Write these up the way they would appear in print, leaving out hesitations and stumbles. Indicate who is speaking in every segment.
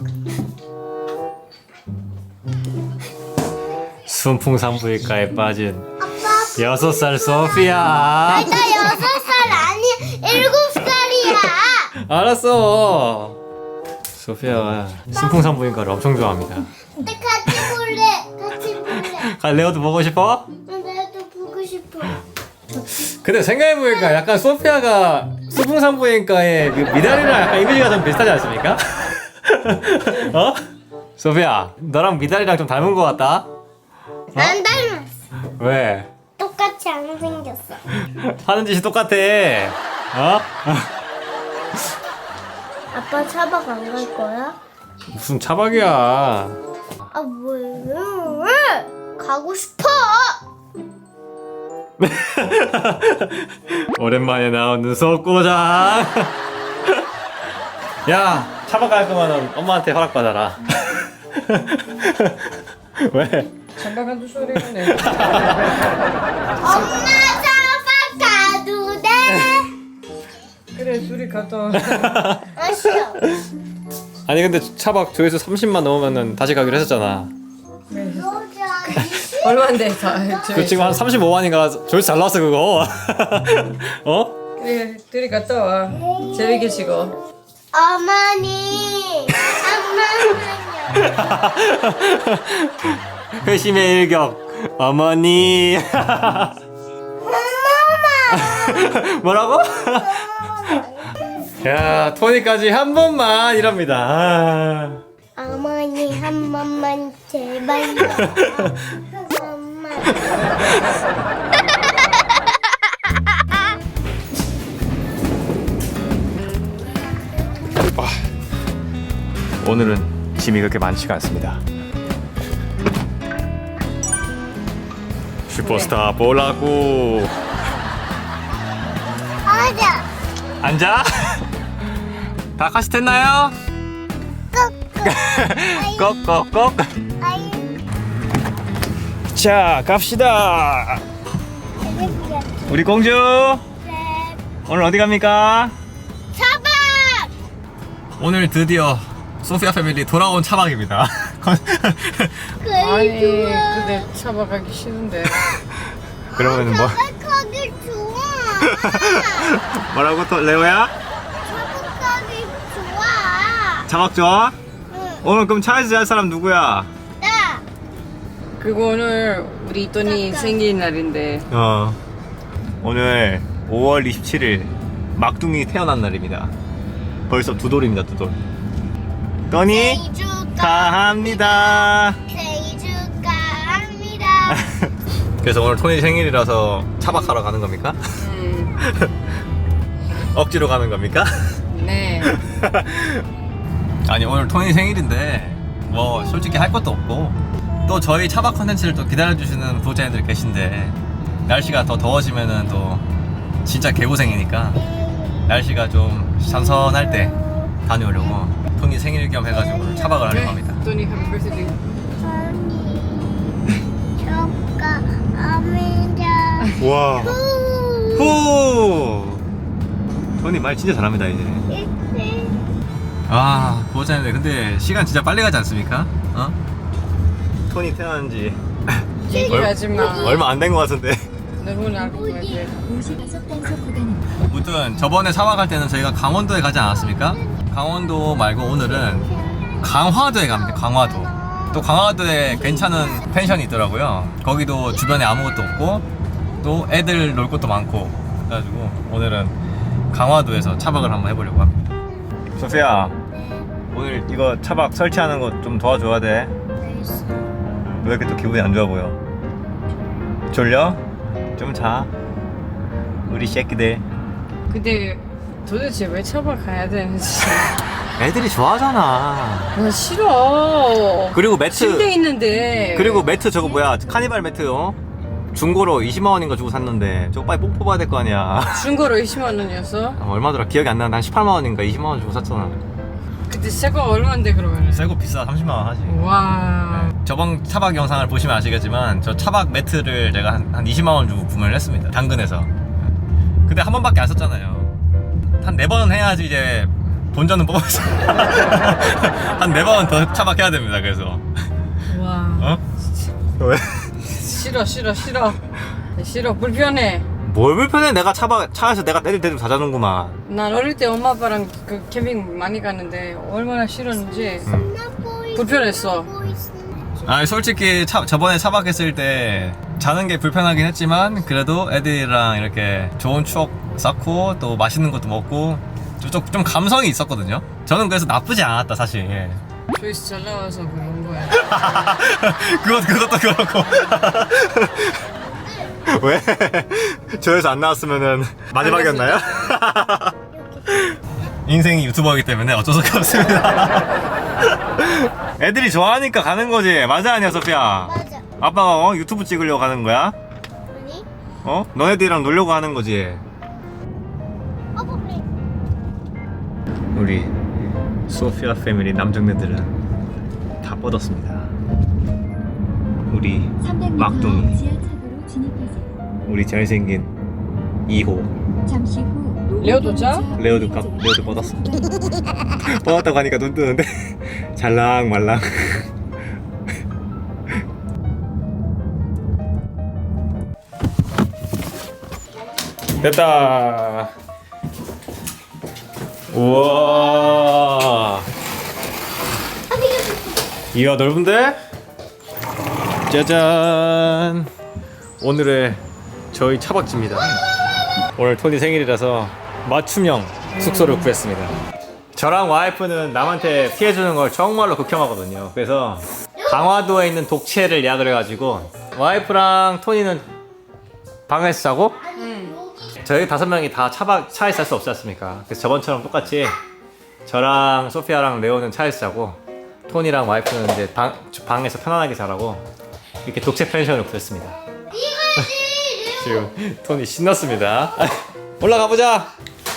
Speaker 1: 순풍산부인과에 빠진
Speaker 2: 아빠
Speaker 1: 6살 소피아.
Speaker 2: 나 6살 아니 7살이야.
Speaker 1: 알았어. 소피아가 순풍산부인과를 엄청 좋아합니다.
Speaker 2: 근데 같이 볼래.
Speaker 1: 레오도 보고 싶어?
Speaker 2: 나도 보고 싶어.
Speaker 1: 근데 생각해보니까 약간 소피아가 순풍산부인과의 미달이랑 약간 이미지가 좀 비슷하지 않습니까? 어? 소피아, 너랑 미달이랑 좀 닮은 것 같다?
Speaker 2: 안 닮았어.
Speaker 1: 왜?
Speaker 2: 똑같이 안 생겼어.
Speaker 1: 하는 짓이 똑같아. 어?
Speaker 2: 아빠 차박 안 갈 거야?
Speaker 1: 무슨 차박이야.
Speaker 2: 아 왜? 가고 싶어.
Speaker 1: 오랜만에 나오는 속고장. 야, 차박 갈 거면 엄마한테 허락받아라. 왜?
Speaker 3: 장가간도 소리가 내.
Speaker 2: 엄마 차박 가도 돼?
Speaker 3: 그래 둘이 갔다 와.
Speaker 2: 아 싫어.
Speaker 1: 아니 근데 차박 조회수 30만 넘으면은 다시 가기로 했었잖아.
Speaker 3: 얼마인데 다.
Speaker 1: 그 지금 한 35만인가 조회수 잘 나왔어 그거. 어?
Speaker 3: 그래 둘이 갔다 와. 재밌게 치고.
Speaker 2: 어머니. 엄마는요.
Speaker 1: 회심의 일격 어머니. 뭐라고? 야 토니까지 한 번만 이럽니다. 아.
Speaker 2: 어머니 한 번만 제발요. 엄마.
Speaker 1: 오늘은 짐이 그렇게 많지가 않습니다. 슈퍼스타 보라고.
Speaker 2: 아자.
Speaker 1: 앉아. 다 같이 됐나요? 꼭꼭꼭.
Speaker 2: 아이.
Speaker 1: 자 갑시다. 우리 공주 오늘 어디 갑니까?
Speaker 2: 차박.
Speaker 1: 오늘 드디어 소피아 패밀리 돌아온 차박입니다.
Speaker 3: 아니
Speaker 2: 그게 좋아.
Speaker 3: 근데 차박 가기 싫은데.
Speaker 1: 그러면 뭐
Speaker 2: 차박하기 좋아.
Speaker 1: 뭐라고 또 레오야?
Speaker 2: 차박하기 좋아.
Speaker 1: 차박 좋아?
Speaker 2: 응.
Speaker 1: 오늘 그럼 차에서 잘 사람 누구야?
Speaker 2: 나.
Speaker 3: 그리고 오늘 우리 이돈이 생일날인데
Speaker 1: 오늘 5월 27일 막둥이 태어난 날입니다. 벌써 두 돌입니다, 두 돌. 떠니
Speaker 2: 생일
Speaker 1: 가합니다.
Speaker 2: 생일 축하합니다.
Speaker 1: 그래서 오늘 토니 생일이라서 차박하러 가는 겁니까? 억지로 가는 겁니까?
Speaker 3: 네.
Speaker 1: 아니 오늘 토니 생일인데 뭐 솔직히 할 것도 없고 또 저희 차박 컨텐츠를 또 기다려주시는 구독자님들 계신데 날씨가 더 더워지면은 또 진짜 개고생이니까 날씨가 좀 선선할 때 다녀오려고 토니 생일 겸 해가지고 오늘 차박을 하려고 합니다.
Speaker 3: 이돈이 해피 버스데이.
Speaker 2: 축하합니다.
Speaker 1: 와. 후. 토니 말 진짜 잘합니다 이제. 아 구독자님들 근데 시간 진짜 빨리 가지 않습니까? 어? 토니 태어난 지
Speaker 3: 얘기하지 마.
Speaker 1: 얼마 안 된 것 같은데.
Speaker 3: 너무 알고 가야 돼.
Speaker 1: 무튼 저번에 차박할 때는 저희가 강원도에 가지 않았습니까? 강원도 말고 오늘은 강화도에 갑니다. 강화도. 또 강화도에 괜찮은 펜션이 있더라고요. 거기도 주변에 아무것도 없고 또 애들 놀 곳도 많고 그래가지고 오늘은 강화도에서 차박을 한번 해보려고 합니다. 소피야 오늘 이거 차박 설치하는 거 좀 도와줘야 돼. 왜 이렇게 또 기분이 안 좋아 보여? 졸려? 좀 자. 우리 새끼들.
Speaker 3: 근데 도대체 왜 차박 가야 되는지.
Speaker 1: 애들이 좋아하잖아.
Speaker 3: 나 싫어.
Speaker 1: 그리고 매트.
Speaker 3: 침대 있는데.
Speaker 1: 그리고 매트 저거 뭐야? 카니발 매트 중고로 20만 원인가 주고 샀는데 저거 빨리 뽕 뽑아야 될 거 아니야.
Speaker 3: 중고로 20만 원이었어?
Speaker 1: 얼마더라? 기억이 안 나는데 한 18만 원인가 20만 원 주고 샀잖아.
Speaker 3: 그때 새거 얼마인데 그러면?
Speaker 1: 새거 비싸 30만 원 하지.
Speaker 3: 와.
Speaker 1: 저번 차박 영상을 보시면 아시겠지만 저 차박 매트를 제가 한 20만 원 주고 구매를 했습니다. 당근에서. 근데 한 번밖에 안 썼잖아요. 한 4번 해야지 이제 본전은 뽑았어요. 한 4번 더 차박해야 됩니다. 그래서
Speaker 3: 와.
Speaker 1: 어? 왜?
Speaker 3: 싫어 싫어 불편해.
Speaker 1: 뭘 불편해? 내가 차에서 내가 때릴 때 좀 사자는구만.
Speaker 3: 난 어릴 때 엄마 아빠랑 그 캠핑 많이 갔는데 얼마나 싫었는지 불편했어.
Speaker 1: 아 솔직히 저번에 차박했을 때 자는 게 불편하긴 했지만 그래도 애들이랑 이렇게 좋은 추억 쌓고 또 맛있는 것도 먹고 좀 감성이 있었거든요. 저는 그래서 나쁘지 않았다 사실. 예.
Speaker 3: 조회수 잘 나와서 그런 거야.
Speaker 1: 그것도 그렇고. 왜? 조회수 안 나왔으면은 마지막이었나요? 인생이 유튜버이기 때문에 어쩔 수가 없습니다. 애들이 좋아하니까 가는 거지. 맞아 아니야 소피야?
Speaker 2: 맞아.
Speaker 1: 아빠가 유튜브 찍으려고 가는 거야?
Speaker 2: 아니?
Speaker 1: 너네들이랑 놀려고 하는 거지.
Speaker 2: 머리.
Speaker 1: 우리 소피아 패밀리 남정네들은 다 뻗었습니다. 우리 막둥이, 우리 잘생긴 2호
Speaker 3: 잠시 후 레오도 자?
Speaker 1: 레오도 뻗었어. 뻗었다고 하니까 눈 뜨는데 잘랑 말랑. 됐다. 우와. 이야 넓은데? 짜잔. 오늘의 저희 차박지입니다. 오늘 토니 생일이라서 맞춤형 숙소를 구했습니다. 저랑 와이프는 남한테 피해주는 걸 정말로 극혐하거든요. 그래서 강화도에 있는 독채를 예약을 해가지고 와이프랑 토니는 방에서 자고 저희 5명이 다 차에 살 수 없지 않습니까? 그래서 저번처럼 똑같이 저랑 소피아랑 레오는 차에서 자고 토니랑 와이프는 이제 방에서 편안하게 자라고 이렇게 독채 펜션을 구했습니다. 지금 토니 신났습니다. 올라가 보자.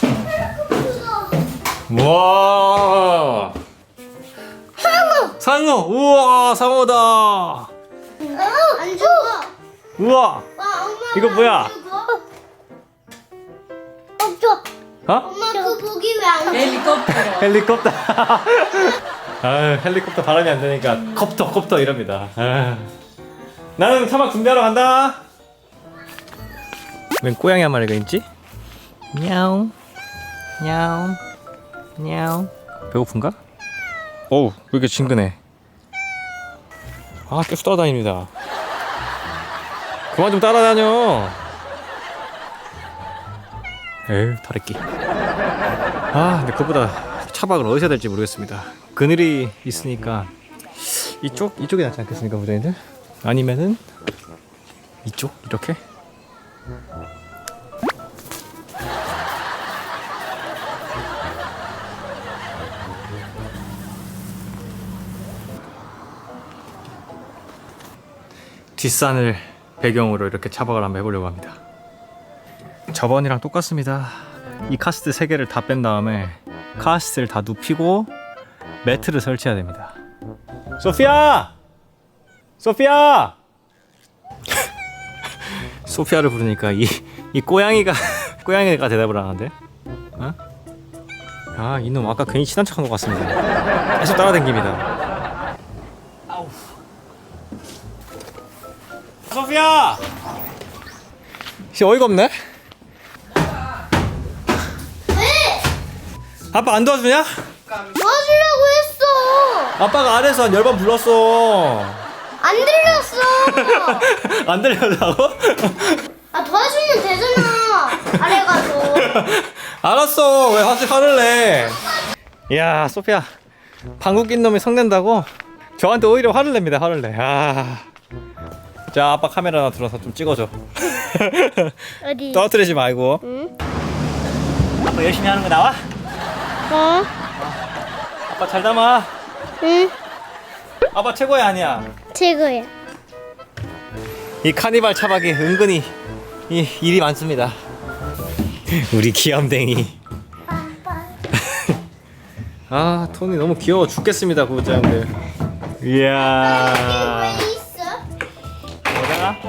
Speaker 1: 우와. 상어. 우와 상어다.
Speaker 2: 안 죽어.
Speaker 1: 우와.
Speaker 2: 와, 엄마.
Speaker 1: 이거 뭐야?
Speaker 2: 없어.
Speaker 1: 어?
Speaker 2: 엄마 그 고기 왜 안 돼?
Speaker 3: 헬리콥터.
Speaker 1: 헬리콥터. 아 헬리콥터 발음이 안 되니까 콥터 이럽니다. 나는 차박 준비하러 간다. 웬 고양이 한 마리가 있지? 냐옹 냐옹 냐옹. 배고픈가? 어우 왜 이렇게 친근해. 아 계속 따라다닙니다. 그만 좀 따라다녀. 에휴 다래끼. 아 근데 그보다 차박을 어디서 해야 될지 모르겠습니다. 그늘이 있으니까 이쪽이 낫지 않겠습니까 부장님들? 아니면은 이쪽 이렇게? 뒷산을 배경으로 이렇게 차박을 한번 해보려고 합니다. 저번이랑 똑같습니다. 이 카시트 3개를 다 뺀 다음에 카시트를 다 눕히고 매트를 설치해야 됩니다. 소피아! 소피아! 소피아를 부르니까 이 고양이가 대답을 안 하는데? 어? 아 이놈 아까 괜히 친한 척한 것 같습니다. 계속 따라다닙니다. 아우. 소피아! 씨 어이가 없네? 아빠 안 도와주냐?
Speaker 2: 도와주려고 했어.
Speaker 1: 아빠가 아래에서 한 10번 불렀어.
Speaker 2: 안 들렸어.
Speaker 1: 안 들려다고?
Speaker 2: 아 도와주면 되잖아. 아래 가서.
Speaker 1: 알았어. 왜 화를 내? 이야 소피아 방귀 낀 놈이 성낸다고? 저한테 오히려 화를 냅니다. 화를 내. 아. 자 아빠 카메라 하나 들어서 좀 찍어줘.
Speaker 2: 어디?
Speaker 1: 떨어뜨리지 말고.
Speaker 2: 응?
Speaker 1: 아빠 열심히 하는 거 나와?
Speaker 2: 어?
Speaker 1: 아빠 잘 담아.
Speaker 2: 응.
Speaker 1: 아빠 최고야 아니야.
Speaker 2: 최고야.
Speaker 1: 이 카니발 차박이 은근히 일이 많습니다. 우리 귀염댕이. 아 토니 너무 귀여워 죽겠습니다 구독자님들. 이야.
Speaker 2: 왜 있어?
Speaker 1: 뭐야?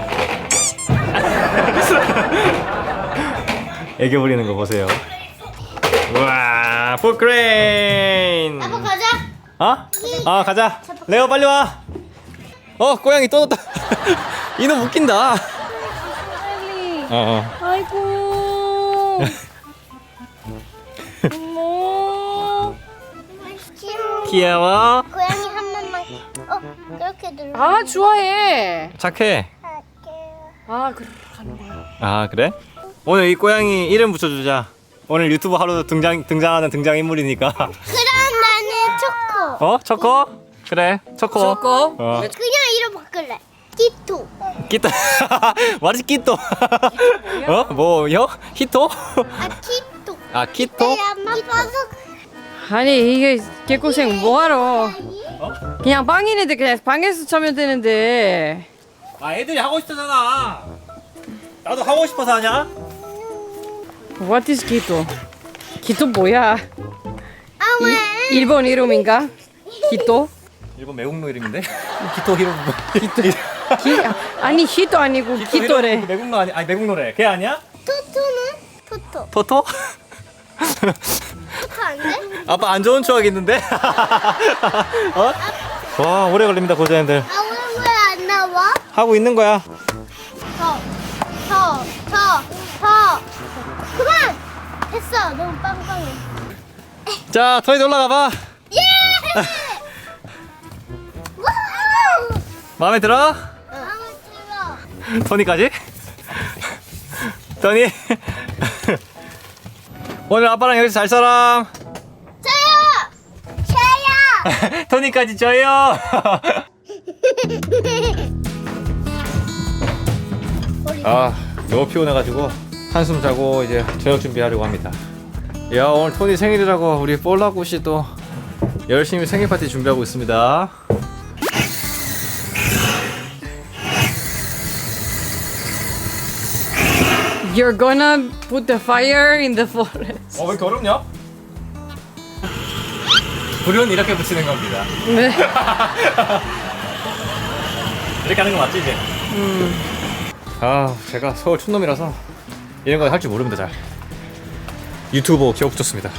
Speaker 1: 애교 부리는 거 보세요. 우와 풋크레인.
Speaker 2: 아빠 가자.
Speaker 1: 어? 아 가자. 레오 빨리 와. 고양이 또 넣었다. 이놈 웃긴다.
Speaker 3: 아이고. 어머.
Speaker 1: 귀여워.
Speaker 2: 고양이 한 번만. 이렇게 눌러.
Speaker 3: 아 좋아해.
Speaker 1: 착해.
Speaker 3: 아 그래 가는 거야.
Speaker 1: 아 그래? 오늘 이 고양이 이름 붙여주자. 오늘 유튜브 하루 등장하는 등장인물이니까.
Speaker 2: 그럼 나는 초코.
Speaker 1: 초코? 그래 초코.
Speaker 3: 초코.
Speaker 1: 어.
Speaker 2: 그냥 이름 바꿀래. 키토.
Speaker 1: 끼또. 말이 끼또. 뭐요? 히토?
Speaker 2: 아 키토.
Speaker 1: 아 키토?
Speaker 2: 키토.
Speaker 3: 아니 이게 개고생 뭐하러? 그냥 빵이네들 그냥 방에서 자면 되는데.
Speaker 1: 아 애들이 하고 싶다잖아. 나도 하고 싶어서 하냐?
Speaker 3: What is 기토? 기토 뭐야?
Speaker 2: 아 왜?
Speaker 3: 일본 이름인가? 기토?
Speaker 1: 일본 매국노 이름인데? 히토 히로.
Speaker 3: 아니 히토 아니고 기토래.
Speaker 1: 매국노 아니 매국노래. 걔 아니야?
Speaker 2: 토토는? 토토.
Speaker 1: 토토?
Speaker 2: 토토 안 돼?
Speaker 1: 아빠 안 좋은 추억 있는데? 와 오래 걸립니다 고자님들.
Speaker 2: 아 왜 안 나와?
Speaker 1: 하고 있는 거야.
Speaker 2: 더. 그만! 됐어. 너무 빵빵해.
Speaker 1: 자 토이도 올라가 봐.
Speaker 2: 예! 와우!
Speaker 1: 마음에 들어?
Speaker 2: 마음에 들어.
Speaker 1: 토니까지? 토니? 오늘 아빠랑 여기서 잘 사람.
Speaker 2: 저요!
Speaker 1: 토니까지 줘요. 아 너무 피곤해가지고 한숨 자고 이제 저녁 준비하려고 합니다. 야 오늘 토니 생일이라고 우리 볼라굿이 또 열심히 생일 파티 준비하고 있습니다.
Speaker 3: You're gonna put the fire in the forest.
Speaker 1: 왜 이렇게 어렵냐? 불은 이렇게 붙이는 겁니다.
Speaker 3: 네.
Speaker 1: 이렇게 하는 거 맞지 이제? 아 제가 서울 촌놈이라서 이런 거 할 줄 모릅니다 잘. 유튜버 기억 붙였습니다.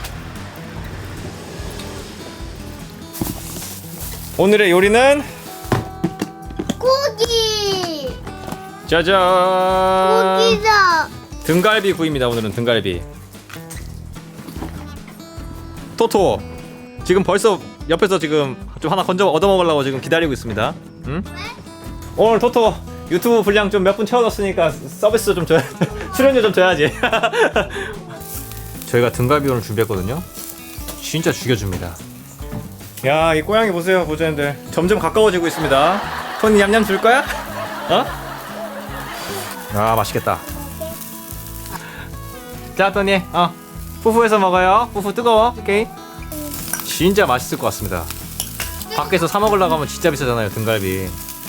Speaker 1: 오늘의 요리는
Speaker 2: 고기!
Speaker 1: 짜잔
Speaker 2: 고기다!
Speaker 1: 등갈비 구이입니다. 오늘은 등갈비. 토토 지금 벌써 옆에서 지금 좀 하나 건져 얻어먹으려고 지금 기다리고 있습니다. 응? 오늘 토토 유튜브 분량 좀 몇 분 채워줬으니까 서비스 좀 줘야 출연료 좀 줘야지. 저희가 등갈비 오늘 준비했거든요. 진짜 죽여줍니다. 야, 이 고양이 보세요, 보자님들. 점점 가까워지고 있습니다. 토니 냠냠 줄 거야? 어? 아, 맛있겠다. 자, 토니, 푸푸해서 먹어요. 푸푸 뜨거워, 오케이? 진짜 맛있을 것 같습니다. 밖에서 사 먹으려고 하면 진짜 비싸잖아요, 등갈비.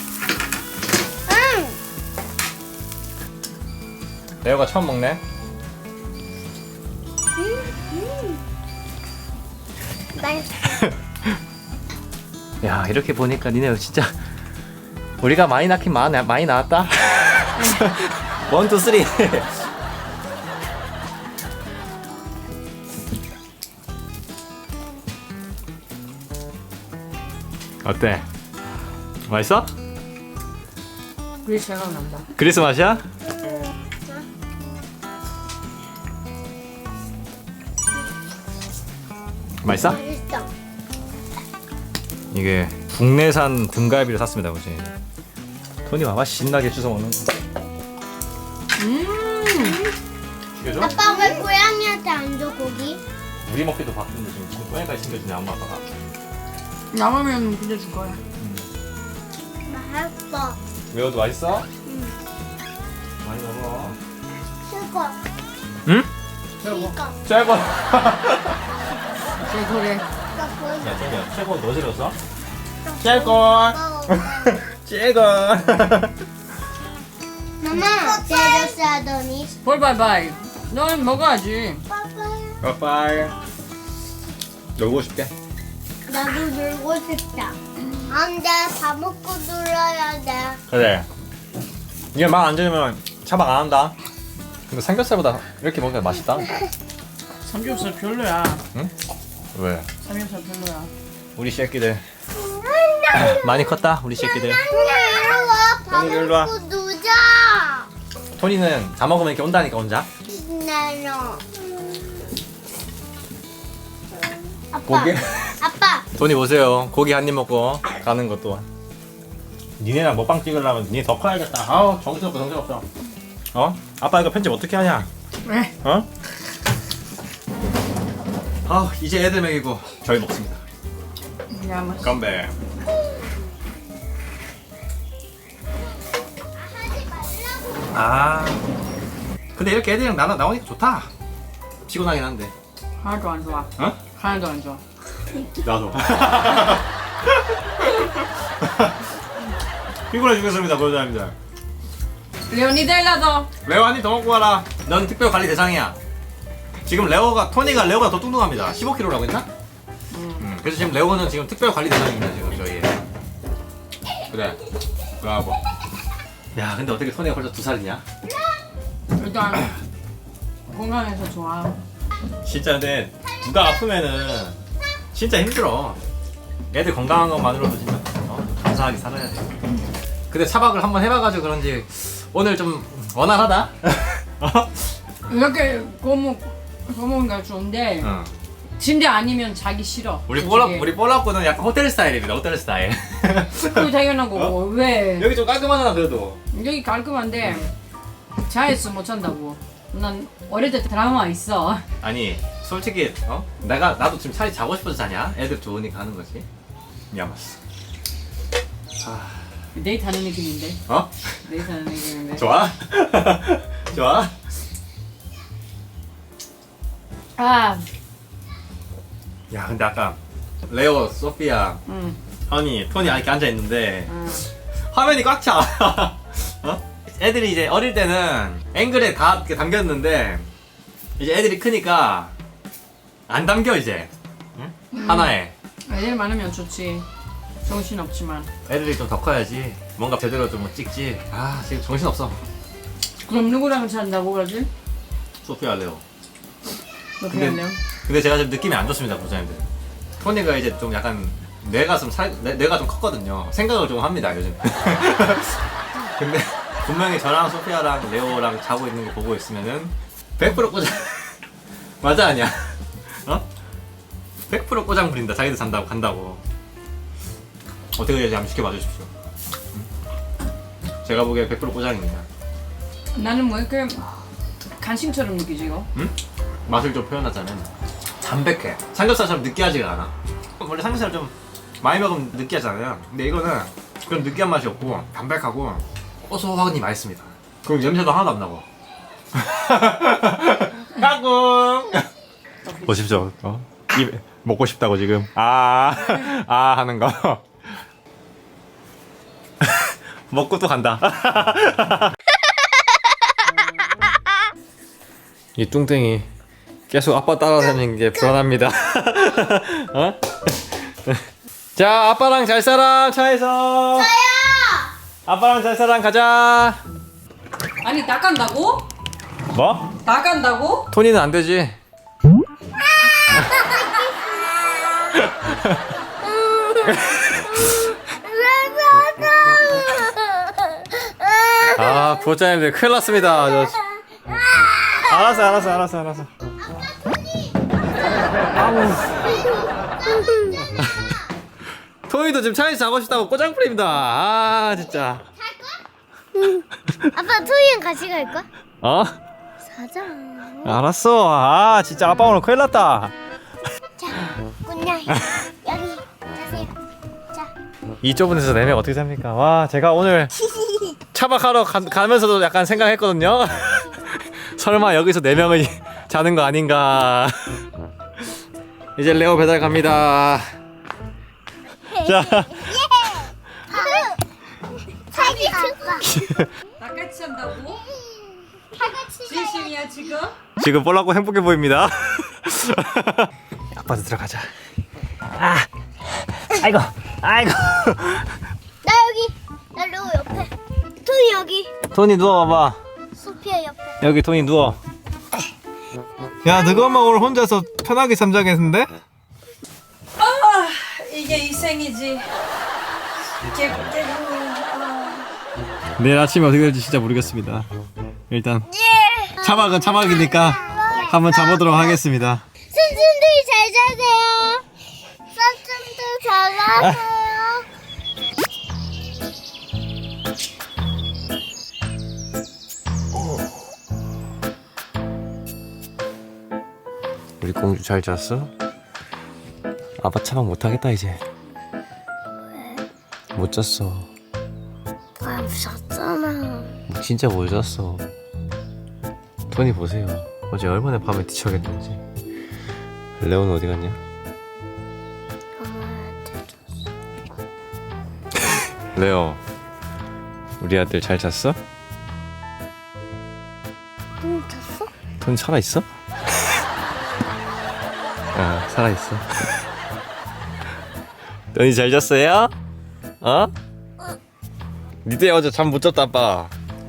Speaker 1: 레오가 처음 먹네.
Speaker 2: 맛있어.
Speaker 1: 야, 이렇게 보니까 니네 진짜 우리가 많이 낳긴 많이 낳았다. 원, 투, 쓰리. 어때? 맛있어?
Speaker 3: 그게 생각난다.
Speaker 1: 그리스 맛이야? 맛있어?
Speaker 2: 맛있어.
Speaker 1: 이게 국내산 등갈비를 샀습니다, 보시. 토니 봐봐 신나게 주워 먹는 거. 죽여줘?
Speaker 2: 아빠 왜 고양이한테 안 줘 고기?
Speaker 1: 우리 먹기도 바쁜데 지금 고양이까지 챙겨주네 엄마 아빠가.
Speaker 3: 남으면 그냥 줄 거야.
Speaker 2: 맛있어.
Speaker 1: 매워도 맛있어? 많이 먹어.
Speaker 2: 최고.
Speaker 1: 응?
Speaker 2: 최고.
Speaker 1: 최고.
Speaker 3: 그래.
Speaker 2: 나 보여줘.
Speaker 1: 야, 저기야, 최고 너 질렀어? 최고. 최고.
Speaker 2: 엄마, 제로스 하더니.
Speaker 3: 볼 바이바이. 넌 먹어야지.
Speaker 1: 빠빠이. 놀고 싶게.
Speaker 2: 나도 놀고 싶다. 안 돼, 밥 먹고 놀아야 돼.
Speaker 1: 그래. 이게 말 안 들으면 차박 안 한다. 근데 삼겹살보다 이렇게 먹으면 맛있다.
Speaker 3: 삼겹살 별로야.
Speaker 1: 응? 왜?
Speaker 3: 삼겹살 별로야.
Speaker 1: 우리 새끼들 많이 컸다 우리 새끼들.
Speaker 2: 밥
Speaker 1: 토니, 일로 와.
Speaker 2: 먹고 놀자.
Speaker 1: 토니는 다 먹으면 이렇게 온다니까 혼자.
Speaker 2: 나노. 아빠.
Speaker 1: 고기?
Speaker 2: 아빠.
Speaker 1: 토니 보세요. 고기 한 입 먹고 가는 것도. 니네랑 먹방 찍으려면 니네 더 커야겠다. 아우 정신없어 정신없어. 어? 아빠 이거 편집 어떻게 하냐?
Speaker 3: 왜?
Speaker 1: 어? 아 이제 애들 먹이고 저희 먹습니다.
Speaker 3: 야, 맛있어.
Speaker 1: 건배. 아 근데 이렇게 애들이랑 나오니까 좋다. 피곤하긴 한데.
Speaker 3: 하나도 안 좋아.
Speaker 1: 어?
Speaker 3: 하나도 안 좋아.
Speaker 1: 나도. 피곤해 죽겠습니다 보여드립니다.
Speaker 3: 레오니델라도.
Speaker 1: 레오 한 입 더 먹고 가라. 넌 특별 관리 대상이야. 지금 토니가 레오가 더 뚱뚱합니다. 15kg라고 했나? 그래서 지금 레오는 지금 특별 관리 대상입니다 지금 저희. 그래. 브라보. 야 근데 어떻게 토니가 벌써 2살이냐?
Speaker 3: 일단 건강해서 좋아.
Speaker 1: 진짜 근데 누가 아프면은 진짜 힘들어. 애들 건강한 것만으로도 진짜 감사하게 살아야 돼. 근데 차박을 한번 해봐가지고 그런지 오늘 좀 원활하다. 어?
Speaker 3: 이렇게 거먹으니까 좋은데
Speaker 1: 응.
Speaker 3: 침대 아니면 자기 싫어.
Speaker 1: 우리
Speaker 3: 솔직히.
Speaker 1: 뽀락고는 약간 호텔 스타일입니다. 호텔 스타일.
Speaker 3: 그거 당연한 거고. 왜?
Speaker 1: 여기 좀 깔끔하잖아 그래도.
Speaker 3: 여기 깔끔한데 자에서 못 잔다고. 난 어릴 때 드라마 있어.
Speaker 1: 아니 솔직히 나도 지금 차라리 자고 싶어서 자냐? 애들 좋으니까 하는 거지. 야마스.
Speaker 3: 데이트 하는 느낌인데.
Speaker 1: 어?
Speaker 3: 데이트 하는 느낌인데.
Speaker 1: 좋아? 좋아?
Speaker 3: 아,
Speaker 1: 야 근데 아까 레오, 소피아,
Speaker 3: 응.
Speaker 1: 토니 이렇게 앉아 있는데
Speaker 3: 응.
Speaker 1: 화면이 꽉 차. 어? 애들이 이제 어릴 때는 앵글에 다 이렇게 담겼는데 이제 애들이 크니까 안 담겨 이제. 응? 하나에.
Speaker 3: 애들 많으면 좋지. 정신 없지만.
Speaker 1: 애들이 좀 더 커야지. 뭔가 제대로 좀 찍지. 아 지금 정신 없어.
Speaker 3: 그럼 누구랑 잔다고 그러지?
Speaker 1: 소피아, 레오.
Speaker 3: 너
Speaker 1: 근데-
Speaker 3: 그랬네요.
Speaker 1: 근데 제가 좀 느낌이 안 좋습니다, 부자님들. 토니가 이제 좀 약간 뇌가 좀 컸거든요. 생각을 좀 합니다, 요즘. 근데 분명히 저랑 소피아랑 레오랑 자고 있는 거 보고 있으면은 100% 꼬장 맞아 아니야? 어? 100% 꼬장 부린다. 자기들 잔다고 간다고. 어떻게 해야지 한번 시켜봐 주십시오. 제가 보기에 100% 꼬장입니다.
Speaker 3: 나는 뭐 이렇게 간식처럼 느끼지 이거?
Speaker 1: 응? 맛을 좀 표현하자면 담백해. 삼겹살처럼 느끼하지가 않아. 원래 삼겹살 좀 많이 먹으면 느끼하잖아요. 근데 이거는 그런 느끼한 맛이 없고 담백하고 고소하니 맛있습니다. 그리고 냄새도 하나도 안 나고. 까꿍. 보십시오. 입 먹고 싶다고 지금 아 하는 거. 먹고 또 간다. 이 뚱땡이 계속 아빠 따라다니는 게 불안합니다. 어? 자, 아빠랑 잘 살아 차에서.
Speaker 2: 저요.
Speaker 1: 아빠랑 잘 살아 가자.
Speaker 3: 아니 나간다고?
Speaker 1: 뭐?
Speaker 3: 나간다고?
Speaker 1: 토니는 안 되지. 아, 구독자님들 큰일 났습니다. 알았어. 토니도 지금 차에서 자고 싶다고 꼬장부립니다. 아, 진짜.
Speaker 2: 아빠 토이랑 같이 갈 거야?
Speaker 1: 어?
Speaker 2: 사자.
Speaker 1: 알았어. 아, 진짜 아빠 오늘 큰일 났다.
Speaker 2: 자, 꾼냥 여기 자세요. 자.
Speaker 1: 이 좁은 데서 4명 어떻게 삽니까? 와, 제가 오늘 차박하러 가면서도 약간 생각했거든요. 설마 여기서 4명이 자는 거 아닌가. 이제 레오 배달 갑니다. 자,
Speaker 2: 자기 아빠.
Speaker 3: 나같이 잔다고?
Speaker 2: 같이
Speaker 3: 진심이야 지금?
Speaker 1: 지금 뻘라고 행복해 보입니다. 아빠도 들어가자. 아이고.
Speaker 2: 나 여기. 나 로우 옆에. 토이 여기.
Speaker 1: 토니 누워봐봐.
Speaker 2: 소피아 옆에.
Speaker 1: 여기 토니 누워. 야, 너가만 오늘 혼자서 편하게 잠자겠는데?
Speaker 3: 이게 이 생이지.
Speaker 1: 내일 아침에 어떻게 될지 진짜 모르겠습니다. 일단 차박은 차박이니까 한번 자보도록 하겠습니다.
Speaker 2: 선생님들 잘 자세요. 선생님들 잘 자세요.
Speaker 1: 우리 공주 잘 잤어? 아빠 차박 못하겠다 이제. 못 잤어.
Speaker 2: 아, 무섭잖아.
Speaker 1: 진짜 못 잤어. 토니 보세요. 어제 얼마나 밤에 뒤척였는지. 레오는 어디 갔냐? 레오, 우리 아들 잘 잤어?
Speaker 2: 응, 잤어?
Speaker 1: 토니 살아있어? 아, 살아있어. 토니 잘 잤어요? 어? 니들 어제 잠 못 잤다 아빠.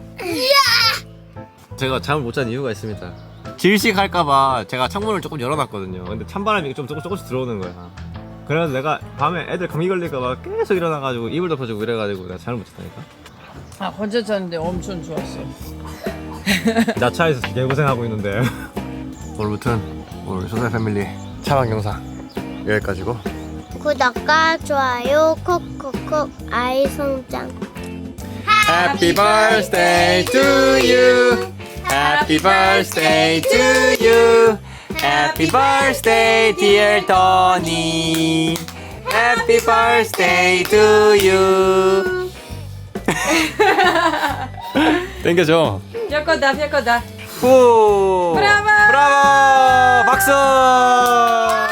Speaker 1: 제가 잠을 못 잔 이유가 있습니다. 질식할까봐 제가 창문을 조금 열어놨거든요. 근데 찬바람이 좀 조금씩 들어오는 거야. 그래서 내가 밤에 애들 감기 걸릴까봐 계속 일어나가지고 이불 덮어주고 이래가지고 내가 잠을 못 잤다니까.
Speaker 3: 아 혼자 잤는데 엄청 좋았어.
Speaker 1: 나 차에서 개고생하고 있는데. 오늘부터는 오늘 소다 패밀리 차박 영상 여기까지고.
Speaker 2: 구독과 좋아요 콕콕콕 아이 성장.
Speaker 1: Happy birthday to you. Happy birthday to you. Happy birthday dear Tony. Happy birthday to you. 땡겨줘.
Speaker 3: 뼈거다.
Speaker 1: 후.
Speaker 3: 브라보!
Speaker 1: 브라보. 박수.